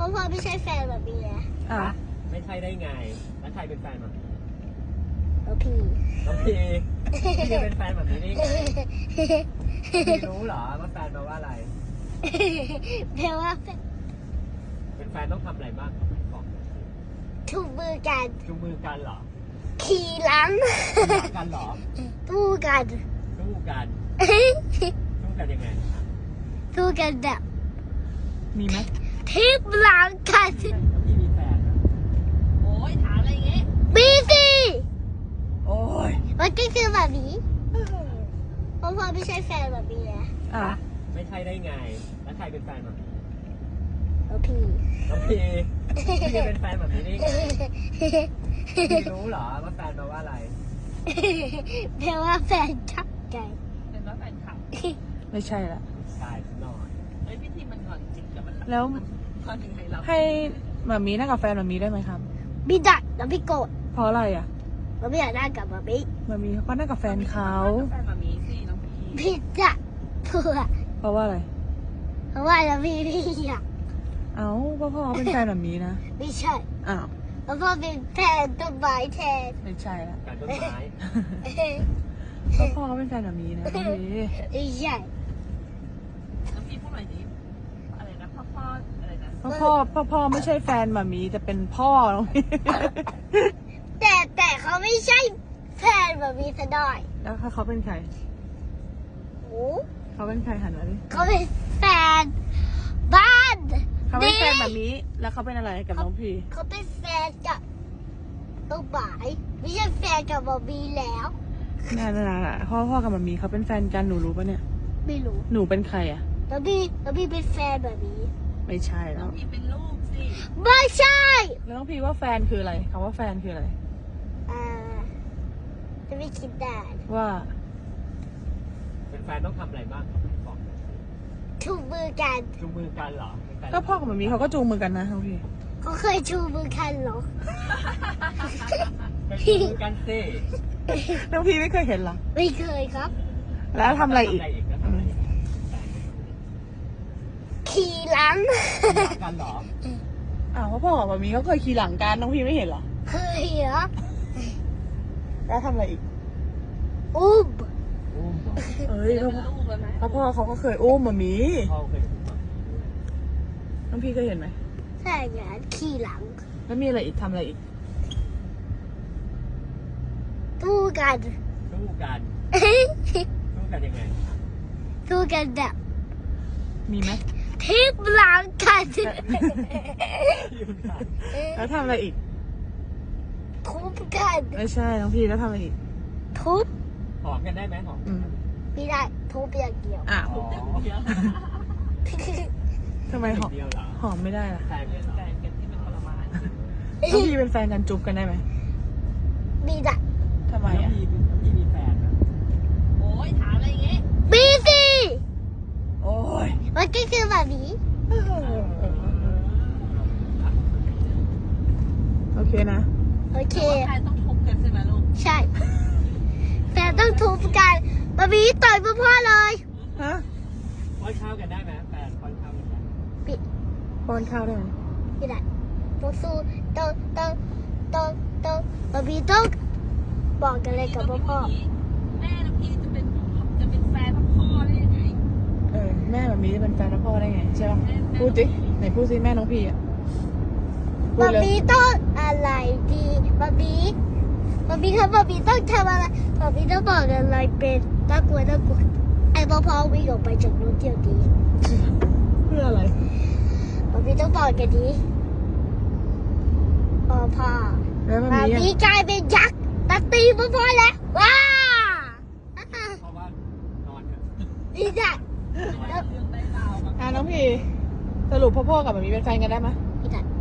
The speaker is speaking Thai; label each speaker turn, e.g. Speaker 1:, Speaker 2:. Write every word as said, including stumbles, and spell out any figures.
Speaker 1: ราะพ่อไม่ใช่แฟนแบบนี้นะ
Speaker 2: อ่ะ
Speaker 3: ไม่ใช่ได้ไงแล้วใครเป็นแฟนแบบนี้
Speaker 1: แล้วพี่
Speaker 3: น้องพีพี่จะเป็นแฟนแบบนี้ได้ไงพี่รู้เหรอว่าแฟนแปลว่าอะไร
Speaker 1: แปลว่า
Speaker 3: เป็นแฟนต้องทำอะไรบ้างบอก
Speaker 1: ถูกมือกัน
Speaker 3: จูงมือกันเหรอ
Speaker 1: ขี่หลัง
Speaker 3: รักกันเหรอ
Speaker 1: ตู้กัน
Speaker 3: สู้กันสู้กันยังไง
Speaker 1: ตู้กันแบบ
Speaker 2: มีไหม
Speaker 1: ทิปหลังกัน
Speaker 3: พี่มีแฟนนะ
Speaker 4: โอ้ยถามอะไรอย่างเงี้ย
Speaker 1: บีซี
Speaker 2: โอ้ย
Speaker 1: มันก็คือแบบนี้เพราะพ่อไม่ใช่แฟนแบบนี้นะ
Speaker 2: อ่ะ
Speaker 3: ไม่ใช่ได้ไงแล้วใครเป็นแฟนแบบนี้
Speaker 1: แล้วพี่
Speaker 3: น้องพีพี่จะเป็นแฟนแบบนี้ได้ไงพี่รู้เหรอว่าแฟนแปลว่าอะไร
Speaker 1: แปลว่าแฟนชักใจ
Speaker 4: เป็นว่าแฟนคลับ
Speaker 2: ไม่ใช่ละ
Speaker 3: ตายสักหน่อย
Speaker 4: เฮ้ยพี่ทีมันก่อนจริงแต่มัน
Speaker 2: แล้ว
Speaker 4: ก่อนถึงให้เรา
Speaker 2: ให้หมามีนั่งกับแฟนหมามีได้ไหมครับ
Speaker 1: พี่ดัดแล้วพี่โกรธ
Speaker 2: เพราะอะไรอ่ะ
Speaker 1: แล้วไม่อยากได้กับมาพี่
Speaker 2: หมามีเขาก็นั่งกับแฟนเขา
Speaker 4: แฟนมามีสิน้องพี่
Speaker 1: พี่ดัดเพื่อ
Speaker 2: เพราะว่าอะไร
Speaker 1: เพราะว่าแล้วพี่พี่อยาก
Speaker 2: เอ้าพ่อพ่อเขาเป็นแฟนหมามีนะ
Speaker 1: ไม่ใช่
Speaker 2: อ้าว
Speaker 1: แล้วพ่อเป็นแฟนต้นไม้แทน
Speaker 2: ไม่ใช่ละ
Speaker 3: การต้นไม้
Speaker 2: พ่อพ่อเขาเป็นแฟนหมามีนะพี่
Speaker 1: ไม่ใช่
Speaker 4: น้องพี่พูดหน่อยดิอะไรนะพ่อพ่ออะไรนะ
Speaker 2: พ่อพ่อพ่อพ่อไม่ใช่แฟนหมามีแต่เป็นพ่อน้องพี่
Speaker 1: แต่แต่เขาไม่ใช่แฟนแบบนี้ซะหน่อย
Speaker 2: แล้วเขาเป็นใคร
Speaker 1: โอ้
Speaker 2: เขาเป็นใครหันมาดิ
Speaker 1: เขาเป็นแฟนบ้าน
Speaker 2: เขาเป็นแฟนหมามีแล้วเขาเป็นอะไรกับน้องพี่
Speaker 1: เขาเป็นแฟนกับต้นไม้ไม่ใช่แฟนกับบอบบี้แล้ว
Speaker 2: นั่นน่ะพ่อพ่อกับหมามีเขาเป็นแฟนกันหนูรู้ปะเนี่ย
Speaker 1: ไม่รู้
Speaker 2: หนูเป็นใครอ่ะ
Speaker 1: แล้วพี่แล้วพี่เป็นแฟนแบบนี้
Speaker 2: ไม่ใช่
Speaker 4: น้
Speaker 2: แล้
Speaker 4: อง
Speaker 2: ว
Speaker 4: พี่เป็นลูกสิ
Speaker 1: ไม่ใช่
Speaker 2: แล้วน้องพี่ว่าแฟนคืออะไรคำว่าแฟนคืออะไร
Speaker 1: อ่าจะไม่คิดได้
Speaker 2: ว่า
Speaker 3: เป็นแฟนต้องทำอะไรบ้างบอก
Speaker 1: ชูมือกัน
Speaker 3: จูงมือกันเหรอเป็นแฟน
Speaker 2: ก็พ่อกับหมามีเขาก็จูงมือกันนะน้องพี่
Speaker 1: เขาเคยชูมือกันเหรอ
Speaker 3: เป็นจูงมือกันสิ
Speaker 2: น้องพี่ไม่เคยเห็นเหรอ
Speaker 1: ไม่เคยครับ
Speaker 2: แล้วทำอะไรอีก
Speaker 3: ทำอะไรอีกแล้วทำอะไรอีก
Speaker 1: ขี่หลัง
Speaker 3: รักกันเหรอ
Speaker 2: อ้าวพ่อกับหมามีเขาเคยขี่หลังกันน้องพี่ไม่เห็นเหรอ
Speaker 1: เคยเหรอ
Speaker 2: แล้วทำอะไรอีก
Speaker 1: อุ้ม
Speaker 3: อุ้มเหรอ
Speaker 2: เอ้ย
Speaker 4: จะ
Speaker 2: พ่อ
Speaker 4: เป็นลูกแล้วไหม
Speaker 2: พ่อพ่อเขาก็เคยอุ้มหมามี
Speaker 3: พ่อเคยอุ้มเหรอ
Speaker 2: น้องพี่เคยเห็นไหม
Speaker 1: ใช่ไงขี่หลัง
Speaker 2: แล้วมีอะไรอีกทำอะไรอีก
Speaker 1: ตู้กัน
Speaker 3: สู้กันสู้กันยังไง
Speaker 1: ตู้กันแบบ
Speaker 2: มีไหม
Speaker 1: ทิปหลังกัน
Speaker 3: ยืนกัน
Speaker 2: แล้วทำอะไรอีก
Speaker 1: ทุบกัน
Speaker 2: ไม่ใช่น้องพี่แล้วทำอะไรอีก
Speaker 1: ทุบ
Speaker 3: หอมกันได้ไหมหอม
Speaker 2: อืม
Speaker 1: ไม่ได้ทุบอย่างเดียว
Speaker 2: อ้าว
Speaker 3: อ๋อ
Speaker 4: เดี๋ยว
Speaker 2: ทำไมหอม
Speaker 3: เดียวเหรอ
Speaker 2: หอมไม่ได้ล่ะ
Speaker 3: แฟนกันเหรอ
Speaker 4: แฟนกันที่เป็นทรมาน
Speaker 2: น้องพี่เป็นแฟนกันจุ๊บกันได้ไหม
Speaker 1: มีได้
Speaker 2: ทำไม
Speaker 3: แล้ว
Speaker 2: อ่ะ
Speaker 3: พี่พี่มีแฟนนะ
Speaker 4: โอ้ยถามอะไรอย่างเงี้ย
Speaker 1: มีสิ
Speaker 2: โอ้ย
Speaker 1: มันก็คือแบบนี้
Speaker 2: โอเคนะ
Speaker 1: โอเค
Speaker 4: แฟนต้องทุบกันใช่ไหมลูก
Speaker 1: ใช่ แต่ต้องทุบกันบะบีต่อยพ่อพ่อเลย
Speaker 2: ฮะ
Speaker 3: ป้อนข้าวกันได้ไหมแฟนป้อนข้าวกันได้ไหม
Speaker 1: ปิด
Speaker 2: ป้อนข้าวได้ไหม
Speaker 1: ไม่ได้ต้องสู้ต้องต้องต้องต้องบะบีต้องบอกกันเลยกับพ่อพ่อ
Speaker 4: แม่น้องพี่จะเป็นจะเป็นแฟนพ่อได้ยังไง
Speaker 2: เออแม่แบบนี้จะเป็นแฟนพ่อได้ไงใช่ป่ะพูดสิไหนพูดสิแม่น้องพี่อ่ะพูด
Speaker 1: บะ
Speaker 2: เลย
Speaker 1: บีต้องอะไรดีบะบีบะบีครับบะบีต้องทำอะไรบะบีต้องบอกอะไรเป็นน่ากลัวน่ากลัวไอ้พ่อพ่อวิ่งออกไปจากรถเดียวดี
Speaker 2: เพื่ออะไร
Speaker 1: บะบีต้องบอกกันดีพ่อพ่อ
Speaker 2: แล้วมัน
Speaker 1: บะ
Speaker 2: มี
Speaker 1: บี
Speaker 2: อ่ะ
Speaker 1: กลายเป็นยักษ์ตัดตีพ่อพ่อแล้วว้า
Speaker 3: เพราะว่านอนเถอะ
Speaker 1: ดีจ้ะ
Speaker 4: เรื่องได้ราวแบบ
Speaker 2: อ่ะน้องพี่สรุปพ่อพ่อกับแบบนี้เป็นแฟนกันได้ไหม
Speaker 1: พี่ดัด